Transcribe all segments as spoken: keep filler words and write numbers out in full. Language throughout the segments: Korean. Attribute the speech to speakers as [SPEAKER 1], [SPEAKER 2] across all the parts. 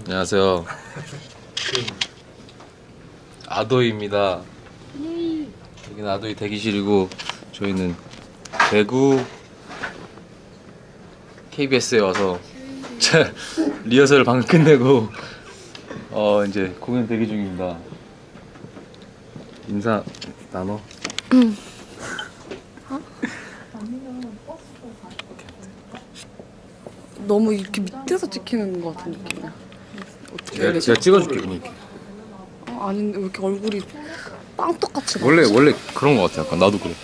[SPEAKER 1] 안녕하세요. 아도이입니다. 여기는 아도이 대기실이고 저희는 대구 케이비에스에 와서 리허설을 방금 끝내고 어 이제 공연 대기 중입니다. 인사 나눠.
[SPEAKER 2] 응. 너무 이렇게 밑에서 찍히는 것 같은 느낌이야. 어떻게
[SPEAKER 1] 제가,
[SPEAKER 2] 되지?
[SPEAKER 1] 제가 찍어줄게 그럼 이렇게.
[SPEAKER 2] 어, 아닌데 왜 이렇게 얼굴이 빵떡같이
[SPEAKER 1] 원래
[SPEAKER 2] 나오지?
[SPEAKER 1] 원래 그런 거 같아. 약간 나도 그래.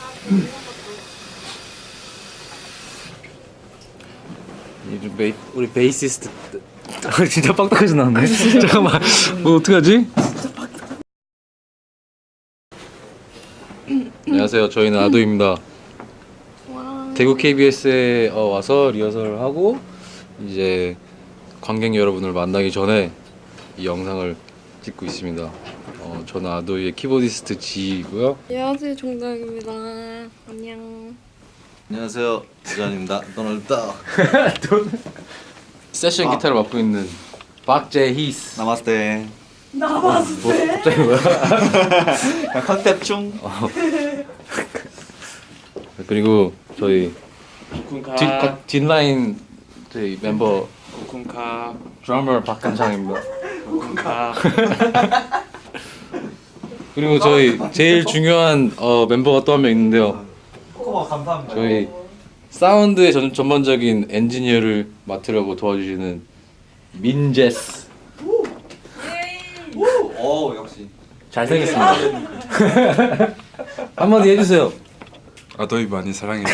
[SPEAKER 1] 이 베이, 우리 베이시스트 진짜 빡빡하게 나왔네. 잠깐만. 뭐 어떡하지? 안녕하세요. 저희는 아도입니다. 대구 케이비에스에 어, 와서 리허설을 하고 이제 관객 여러분을 만나기 전에 이 영상을 찍고 있습니다. 어, 저는 아도이의 키보디스트 지이고요.
[SPEAKER 2] 안녕하세요, 종덕입니다. 안녕.
[SPEAKER 3] 안녕하세요, 부장입니다. 도널드 덕.
[SPEAKER 1] 세션
[SPEAKER 3] 아.
[SPEAKER 1] 기타를 맡고 있는 박재희스.
[SPEAKER 3] 나마스테.
[SPEAKER 1] 뭐 갑자기 뭐야?
[SPEAKER 3] 컨셉 중.
[SPEAKER 1] 그리고 저희
[SPEAKER 4] 쿠쿤카
[SPEAKER 1] 뒷, 각- 뒷라인 저희 멤버
[SPEAKER 4] 쿠쿤카
[SPEAKER 1] 드러머 박감창입니다.
[SPEAKER 4] 쿠쿤카
[SPEAKER 1] 그리고 저희 제일 중요한 어, 멤버가 또 한 명 있는데요.
[SPEAKER 3] 코코마 감사합니다.
[SPEAKER 1] 저희 사운드의 전, 전반적인 엔지니어를 맡으려고 도와주시는 민제스.
[SPEAKER 3] 오 역시.
[SPEAKER 1] 잘생겼습니다. 한마디 해주세요.
[SPEAKER 4] 아도이 많이 사랑해.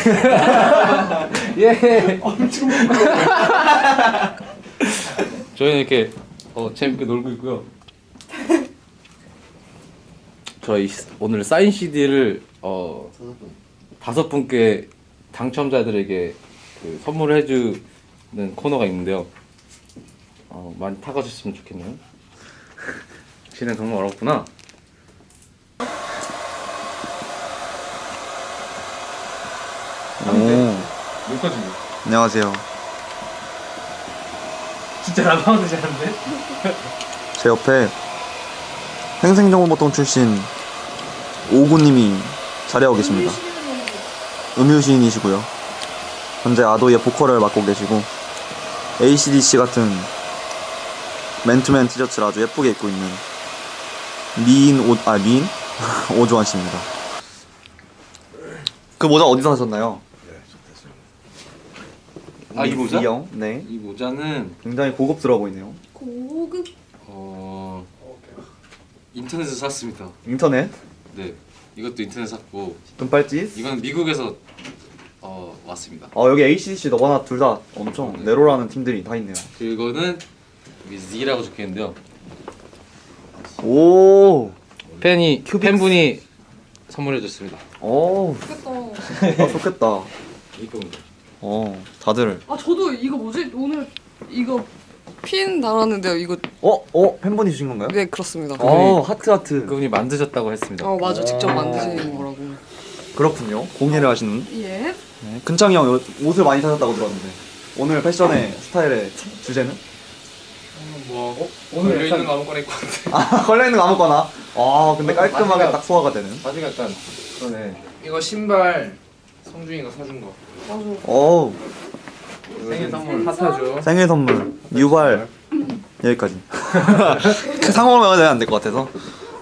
[SPEAKER 1] 예. 저희는 이렇게 어, 재밌게 놀고 있고요. 저희 오늘 사인 씨디를 어, 다섯 분께 당첨자들에게 그 선물을 해주는 코너가 있는데요. 어, 많이 타가셨으면 좋겠네요. 진행 정말 어렵구나.
[SPEAKER 3] 오.
[SPEAKER 1] 여기까지.
[SPEAKER 3] 안녕하세요.
[SPEAKER 1] 진짜 라방도 잘하는데?
[SPEAKER 3] 제 옆에 생생정보통 출신 오구님이 자리하고 계십니다. 음유시인이시고요. 현재 아도이의 보컬을 맡고 계시고 에이씨디씨 같은 맨투맨 티셔츠를 아주 예쁘게 입고 있는 미인 오, 아 미인? 오주환 씨입니다. 그 모자 어디서 사셨나요?
[SPEAKER 1] 아, 이 모자?
[SPEAKER 3] 형? 네.
[SPEAKER 1] 이 모자는
[SPEAKER 3] 굉장히 고급스러워 보이네요.
[SPEAKER 2] 고급.
[SPEAKER 1] 어 인터넷에서 샀습니다.
[SPEAKER 3] 인터넷?
[SPEAKER 1] 네, 이것도 인터넷 샀고
[SPEAKER 3] 금발찌?
[SPEAKER 1] 이건 미국에서 어 왔습니다.
[SPEAKER 3] 어 여기 에이씨디씨 너바나 둘 다 엄청
[SPEAKER 1] 네.
[SPEAKER 3] 네로라는 팀들이 다 있네요.
[SPEAKER 1] 그거는 Z라고 적혀있는데요.
[SPEAKER 3] 오.
[SPEAKER 1] 팬이
[SPEAKER 3] 큐빅스.
[SPEAKER 1] 팬분이 선물해줬습니다.
[SPEAKER 3] 오.
[SPEAKER 2] 좋겠다.
[SPEAKER 3] 아 좋겠다.
[SPEAKER 1] 이겁니다.
[SPEAKER 3] 어 다들.
[SPEAKER 2] 아 저도 이거 뭐지? 오늘 이거 핀 달았는데요. 이거
[SPEAKER 3] 어? 어? 팬분이 주신 건가요?
[SPEAKER 2] 네 그렇습니다.
[SPEAKER 3] 어 하트 하트.
[SPEAKER 1] 그분이 만드셨다고 했습니다.
[SPEAKER 2] 어 맞아, 직접 만드시는 거라고.
[SPEAKER 3] 그렇군요. 공예를 하시는.
[SPEAKER 2] 예.
[SPEAKER 3] 네. 근창이 형 요- 옷을 많이 사셨다고 들었는데 오늘 패션의 스타일의 주제는?
[SPEAKER 4] 뭐
[SPEAKER 3] 오늘
[SPEAKER 4] 걸려 있는
[SPEAKER 3] 약간-
[SPEAKER 4] 거 아무거나 입고 왔는데.
[SPEAKER 3] 아 걸려 있는 거 아무거나. 아 근데 깔끔하게
[SPEAKER 4] 바지가-
[SPEAKER 3] 딱 소화가 되는.
[SPEAKER 1] 바지가 약간 그러네.
[SPEAKER 4] 이거 신발 성준이가 사준 거.
[SPEAKER 2] 맞아.
[SPEAKER 3] 오.
[SPEAKER 4] 생일 선물 핫하죠.
[SPEAKER 3] 생일 선물 유발 여기까지. 상호를 해야 안 될 것 같아서.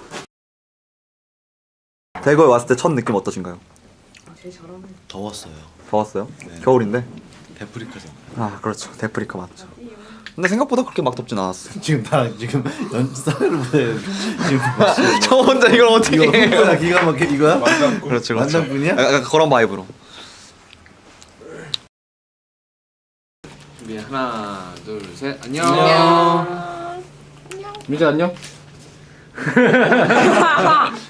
[SPEAKER 3] 대구에 왔을 때 첫 느낌 어떠신가요?
[SPEAKER 2] 제일 잘하네.
[SPEAKER 5] 더웠어요.
[SPEAKER 3] 더웠어요?
[SPEAKER 5] 네.
[SPEAKER 3] 겨울인데?
[SPEAKER 5] 데프리카잖아.
[SPEAKER 3] 아 그렇죠. 데프리카 맞죠. 근데 생각보다 그렇게 막 덥진 않았어.
[SPEAKER 5] 지금 나 지금 연사를 보내. 지금
[SPEAKER 3] 저 혼자 이걸 어떻게
[SPEAKER 5] 이거
[SPEAKER 3] 해?
[SPEAKER 5] 흥분아 기가 막혀 이거야?
[SPEAKER 4] 완전
[SPEAKER 3] 그렇죠, 그렇죠.
[SPEAKER 5] 완전뿐이야?
[SPEAKER 3] 약간 그런 바이브로.
[SPEAKER 1] 준비 하나 둘 셋. 안녕.
[SPEAKER 2] 안녕.
[SPEAKER 1] 민재 안녕.